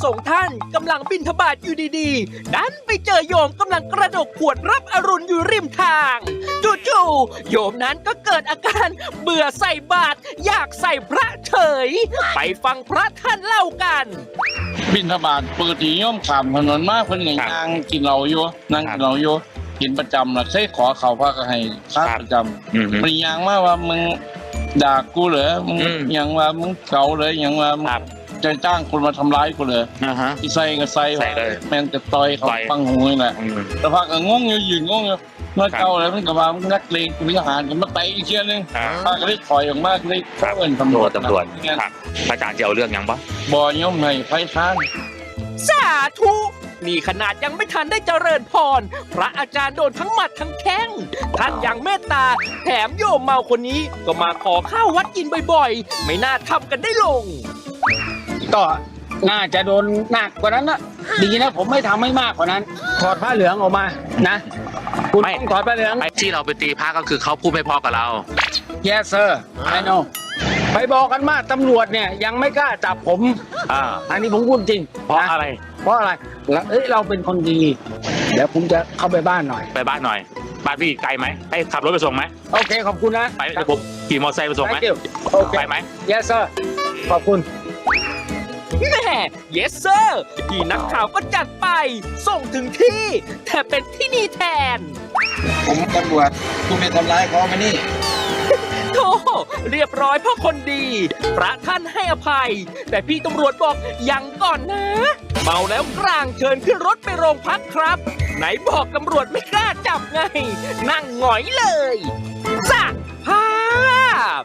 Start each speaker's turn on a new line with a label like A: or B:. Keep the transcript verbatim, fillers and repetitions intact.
A: สงฆ์ท่านกำลังบิณฑบาตอยู่ดีๆดันไปเจอโยมกำลังกระดกขวดรับอรุณอยู่ริมทางจู่ๆโยมนั้นก็เกิดอาการเบื่อใส่บาตรอยากใส่พระเฉยไปฟังพระท่านเล่ากัน
B: บิณฑบาตปกติโยมขามถนนมากเพิ่นก็ย่างกินเหล้าอยู่นั่งกินเหล้าอยู่กินประจำล่ะเคยขอเขาพระก็ให้พระประจำมันย่างมาว่ามึงด่ากูเหรอมึงยังว่ามึงเก่าเลยยังว่ามึงจะจ้างคนมาทำร้ายกูเลยอีใส่ก็ใส่แม่งจะต่อยเขาฟังหูนี่แหละแต่พระก็งงอยู่ยืนงงอยู่เมื่อเก่าแล้วมันก็ว่ามึงนักเลงกูมีทหารก็มาเตะอีกเชี่ยนึงพระก็เลยถอยออกมาเลยเอิ้นตำรวจ
C: ตำรวจพระอาจารย์จะเอาเรื่องยังปะ
B: บ่โยมให้ไฟค้าน
A: สาธุนี่ขนาดยังไม่ทันได้เจริญพรพระอาจารย์โดนทั้งหมัดทั้งแข้งท่านยังเมตตาแถมโยมเมาคนนี้ก็มาขอข้าววัดกินบ่อยๆไม่น่าทำกันได้ลง
D: ก็น่าจะโดนหนักกว่านั้นนะดีนะผมไม่ทำให้มากกว่านั้นถอดผ้าเหลืองออกมานะคุณต้องถอดผ้าเหลือง
C: ไอ้ที่เราไปตีพระก็คือเขาพูดไม่พอกับเรา
D: yes sir I know ไปบอกกันมาตำรวจเนี่ยยังไม่กล้าจับผม
C: อ่า
D: อันนี้ผมพูดจริง
C: เพราะอะไร
D: เพราะอะไรแล้วเอ้ยเราเป็นคนดีเดี๋ยวผมจะเข้าไปบ้านหน่อย
C: ไปบ้านหน่อย บ้านพี่ไกลไหมให้ขับรถไปส่งไหม
D: โอเคขอบคุณนะ
C: ไปเดี๋ยวผมขี่มอเตอร์ไซค์ไปส่งไหม
D: Thank you โอเค
C: ไปไหม
D: yes sir ขอบคุณ
A: แม่ yes sir พี่นักข่าวก็จัดไป ส่งถึงที่ แต่เป็นที่นี่แทน
E: ผมตำรวจคุณไปทำร้ายเขามานี่
A: โธ่เรียบร้อยเพราะคนดี พระท่านให้อภัย แต่พี่ตำรวจบอกยังก่อนนะ เมาแล้วกลางเชิญขึ้นรถไปโรงพักครับ ไหนบอกตำรวจไม่กล้าจับไง นั่งหงอยเลยจ้ะ